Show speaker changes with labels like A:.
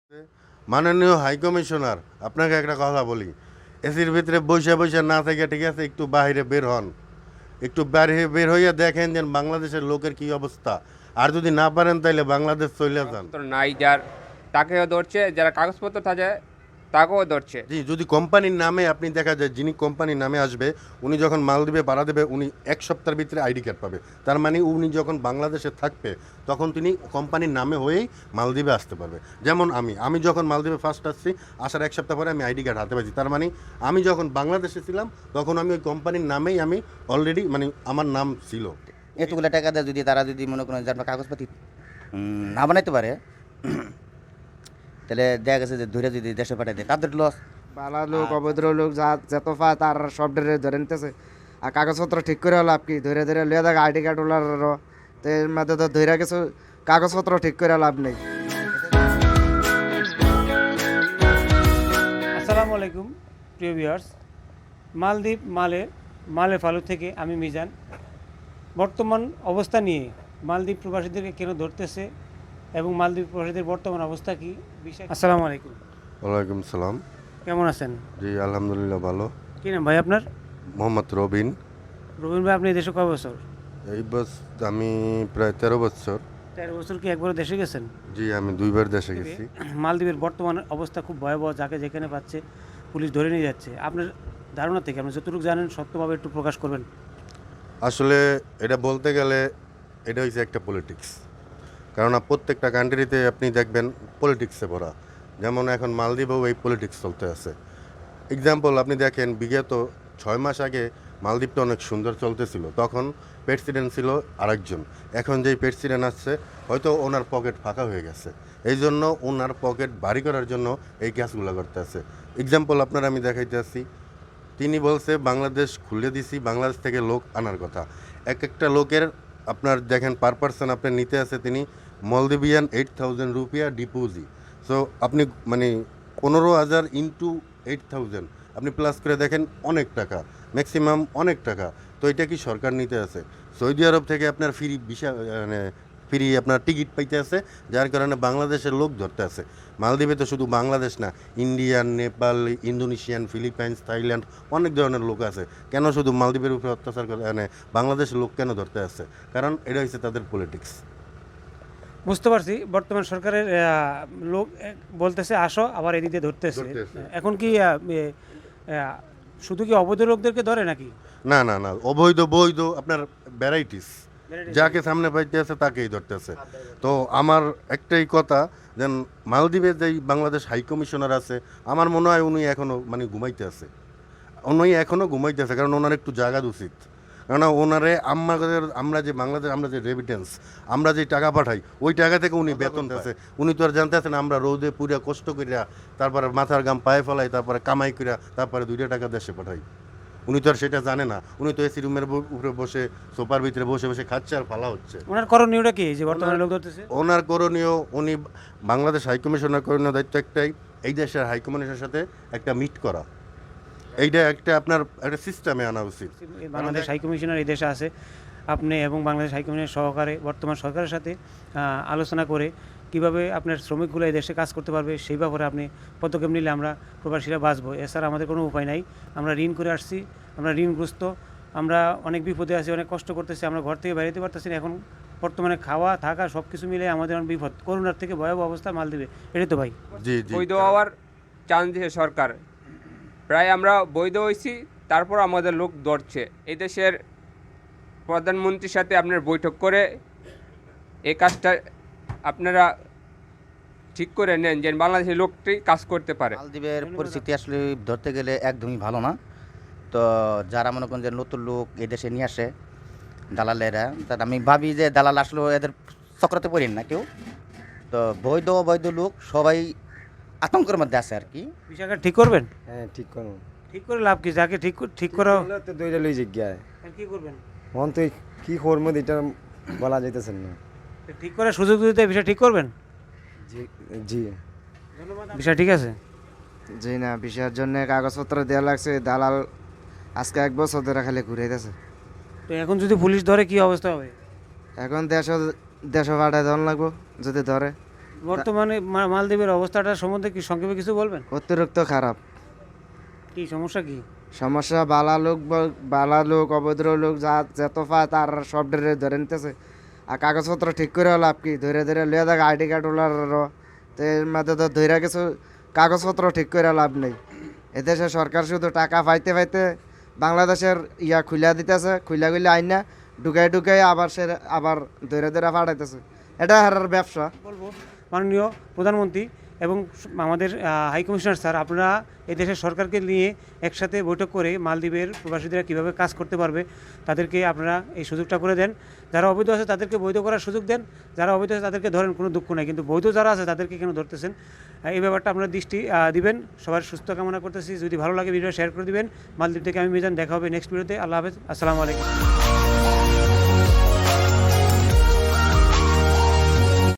A: মাননীয় high commissioner, আপনাকে একটা কথা বলি। এসির ভিতরে বসে বসে না থেকে ঠিক আছে, একটু বাইরে বের হন, একটু বাইরে বের হইয়া দেখেন যে বাংলাদেশের লোকের কি অবস্থা। আর যদি না পারেন তাইলে বাংলাদেশ চলে যান।
B: কাগজপত্র নাই যার, তাকেও ধরছে, যারা কাগজপত্র থাকে তাকেও ধরছে।
A: জি, যদি কোম্পানির নামে আপনি দেখা যায় যিনি কোম্পানির নামে আসবে, উনি যখন মাল দিবে ভাড়া দেবে, উনি এক সপ্তাহের ভিতরে আইডি কার্ড পাবে। তার মানে উনি যখন বাংলাদেশে থাকবে তখন তিনি কোম্পানির নামে হয়েই মালদ্বীপে আসতে পারবে। যেমন আমি যখন মালদ্বীপে ফার্স্ট আসছি, আসার এক সপ্তাহ পরে আমি আইডি কার্ড হাতে পাইছি। তার মানে আমি যখন বাংলাদেশে ছিলাম তখন আমি ওই কোম্পানির নামেই আমি অলরেডি মানে আমার নাম ছিল।
C: এতগুলো টাকা দেয় যদি তারা যদি মনে করেন যে আপনার কাগজপাতি না বানাইতে পারে, তাহলে দেখা গেছে যে ধরে যদি দেশে পাঠাই দেয় তাদের লস।
D: বালা লোক অভদ্র লোক যা যত পা তার সব ডেরে ধরে নিতেছে। আর কাগজপত্র ঠিক করে লাভ কি? ধরে ধরে লিয়ে দেখ আইডি কার্ড ওলার, তো এর মধ্যে তো ধরে কিছু কাগজপত্র ঠিক করে লাভ নেই।
E: আসসালামু আলাইকুম প্রিয় ভিউয়ার্স, মালদ্বীপ মালে ফালু থেকে আমি মিজান। বর্তমান অবস্থা নিয়ে মালদ্বীপ প্রবাসীদেরকে কেন ধরতেছে এবং মালদ্বীপ প্রবাসীদের বর্তমান অবস্থা কি বিষয়। আসসালামু আলাইকুম,
A: ওয়ালাইকুম সালাম।
E: কেমন আছেন?
A: জি আলহামদুলিল্লাহ ভালো।
E: কী নাম ভাই আপনার?
A: মোহাম্মদ রবিন।
E: রবীন ভাই, আপনি এই দেশে কয় বছর?
A: এই বস আমি প্রায় 13 বছর।
E: 13 বছর কি একবার দেশে গেছেন?
A: জি আমি 2বার দেশে গেছি।
E: মালদ্বীপের বর্তমান অবস্থা খুব ভয়াবহ, যাকে যেখানে পাচ্ছে পুলিশ ধরে নিয়ে যাচ্ছে। আপনার ধারণা থেকে আপনি যতটুকু জানেন সত্যভাবে একটু প্রকাশ করবেন।
A: আসলে এটা বলতে গেলে এটা হচ্ছে একটা পলিটিক্স। কেননা প্রত্যেকটা কান্ট্রিতে আপনি দেখবেন পলিটিক্সে ভরা। যেমন এখন মালদ্বীপেও এই পলিটিক্স চলতে আছে। এক্সাম্পল আপনি দেখেন, বিগত 6 মাস আগে মালদ্বীপটা অনেক সুন্দর চলতেছিল, তখন প্রেসিডেন্ট ছিল আরেকজন। এখন যেই প্রেসিডেন্ট আসছে হয়তো ওনার পকেট ফাঁকা হয়ে গেছে, এই জন্য ওনার পকেট ভারী করার জন্য এই কাজগুলো করতে আছে। এক্সাম্পল আপনার আমি দেখাইতে আসছি, তিনি বলছে বাংলাদেশ খুলে দিছি, বাংলাদেশ থেকে লোক আনার কথা। এক একটা লোকের আপনার দেখেন পার পার্সন আপনার নিতে আছে তিনি মলদ্বীপিয়ান 8,000 রুপিয়া ডিপোজিট। সো আপনি মানে 15,000 ইন্টু 8,000 আপনি প্লাস করে দেখেন অনেক টাকা, ম্যাক্সিমাম অনেক টাকা। তো এটা কি সরকার নিতে আছে? সৌদি আরব থেকে আপনার ফ্রি ভিসা মানে ফ্রি আপনার টিকিট পাইতে আছে, যার কারণে বাংলাদেশের লোক ধরতে আছে। মালদ্বীপে তো শুধু বাংলাদেশ না, Indian, Nepal, Indonesian, Philippines, Thailand অনেক ধরনের লোক আছে। কেন শুধু মালদ্বীপের উপরে অত্যাচার করে মানে বাংলাদেশের লোক কেন ধরতে আছে? কারণ এটা হচ্ছে তাদের পলিটিক্স।
E: বুঝতে পারছি, বর্তমান সরকারের লোক বলতেছে আসো, আবার এদিকে ধরতেছে।
A: ধরতেছে।
E: এখন কি শুধু কি অবৈধ লোকদেরকে ধরে নাকি?
A: না না না, অবৈধ বৈধ আপনার ভ্যারাইটিস, যাকে সামনে পাইতে আছে তাকেই ধরতে আছে। তো আমার একটাই কথা, যেন মালদ্বীপে যেই বাংলাদেশ হাই কমিশনার আছে, আমার মনে হয় উনি এখনও মানে ঘুমাইতে আছে। উনি এখনও ঘুমাইতে আছে, কারণ ওনার একটু জায়গা উচিত। কেননা ওনারে আমরা যে বাংলাদেশ আমরা যে রেমিটেন্স আমরা যে টাকা পাঠাই, ওই টাকা থেকে উনি বেতন আছে। উনি তো আর জানতে আছেন আমরা রোদে পুরা কষ্ট করিয়া, তারপরে মাথার গাম পায়ে ফেলাই, তারপরে কামাই করিয়া, তারপরে 2টা টাকা দেশে পাঠাই। উনি তো আর সেটা জানে না। উনি তো এসি রুমের উপরে বসে, সোফার ভিতরে বসে বসে খাচ্ছে আর ফালা হচ্ছে।
E: ওনার করণীয়টা কি যে বর্তমানে লোক ধরতেছে?
A: ওনার করণীয়, উনি বাংলাদেশ হাইকমিশনার করণীয় দায়িত্ব একটাই, এই দেশের হাইকমিশনের সাথে একটা মিট করা। এইটা একটা আপনার একটা সিস্টেমে আনা উচিত।
E: বাংলাদেশ হাই কমিশনার এই দেশে আছে, আপনি এবং বাংলাদেশ হাই কমিশনের সহকারে বর্তমান সরকারের সাথে আলোচনা করে কিভাবে আপনার শ্রমিকগুলো এই দেশে কাজ করতে পারবে সেই ব্যাপারে আপনি পদক্ষেপ নিলে আমরা প্রবাসীরা বাঁচবো। এছাড়া আমাদের কোনো উপায় নাই। আমরা ঋণ করে আসছি, আমরা ঋণগ্রস্ত, আমরা অনেক বিপদে আছি, অনেক কষ্ট করতেছি, আমরা ঘর থেকে বেরোতে পারতেছি না। এখন বর্তমানে খাওয়া থাকা সব কিছু মিলে আমাদের অনেক বিপদ, করোনার থেকে ভয়াবহ অবস্থা মালদ্বীপে। এটাই তো ভাই।
A: জি জি।
B: বৈধ হওয়ার চান্স দিয়েছে সরকার, প্রায় আমরা বৈধ হয়েছি, তারপর আমাদের লোক ধরছে। এই দেশের প্রধানমন্ত্রীর সাথে আপনার বৈঠক করে এই কাজটা আপনারা ঠিক করে নেন যে বাংলাদেশের লোকটি কাজ করতে পারে।
C: মালদ্বীপের পরিস্থিতি আসলে ধরতে গেলে একদমই ভালো না। তো যারা মনে করেন যে নতুন লোক এদেশে নিয়ে আসে দালালেরা, তার আমি ভাবি যে দালাল আসলে এদের চক্রতে পড়েন না কেউ। তো বৈধ অবৈধ লোক সবাই আতঙ্কের মধ্যে আছে আর কি।
E: বিষয়টা ঠিক করবেন?
D: হ্যাঁ ঠিক করুন।
E: ঠিক করে লাভ কি? যাকে ঠিক করো
D: তো দুইটা লই জিজ্ঞায়
E: কি করবেন?
D: মন তুই কি করবো এটা বলা যাইতেছেন না।
E: ঠিক করার সুযোগ দিতে বিষয় ঠিক করবেন।
D: জি জি
E: বিষয় ঠিক আছে।
D: জি না, বিষয়ের জন্য কাগজপত্র দেওয়া লাগছে, দালাল আজকে 1 বছর ধরে খালি ঘুরাইতেছে।
E: তো এখন যদি পুলিশ ধরে কি অবস্থা হবে?
D: এখন দেশ পাঠায় দেওয়ান লাগবো যদি ধরে।
E: বর্তমানে মালদ্বীপের অবস্থাটা সম্বন্ধে কি সংক্ষেপে কিছু বলবেন?
D: অতিরিক্ত খারাপ।
E: কি সমস্যা কি?
D: সমস্যা বালা লোক অভদ্র লোক যত পায় তার সব ধরে নিতেছে। আর কাগজপত্র ঠিক করে লাভ কি, ধরে লইয়া দেখ আইডি কার্ড ওলার, তো এর মধ্যে তো ধরে কিছু কাগজপত্র ঠিক করে লাভ নেই। এদেশে সরকার শুধু টাকা পাইতে পাইতে বাংলাদেশের খুলা দিতেছে, খুলা আইনা ঢুকাই আবার ধরে ফাটাইতেছে। এটা হারার ব্যবসা।
E: বলবো মাননীয় প্রধানমন্ত্রী এবং আমাদের হাই কমিশনার স্যার, আপনারা এই দেশের সরকারকে নিয়ে একসাথে বৈঠক করে মালদ্বীপের প্রবাসীরা কীভাবে কাজ করতে পারবে তাদেরকে আপনারা এই সুযোগটা করে দেন। যারা অবৈধ আছে তাদেরকে বৈধ করার সুযোগ দেন, যারা অবৈধ আছে তাদেরকে ধরেন, কোনো দুঃখ নাই, কিন্তু বৈধ যারা আছে তাদেরকে কেন ধরতেছেন? এই ব্যাপারটা আপনারা দৃষ্টি দিবেন। সবার সুস্থ কামনা করতেছি। যদি ভালো লাগে ভিডিও শেয়ার করে দিবেন। মালদ্বীপ থেকে আমি মিজান, দেখা হবে নেক্সট ভিডিওতে। আল্লাহ হাফেজ, আসসালামু আলাইকুম।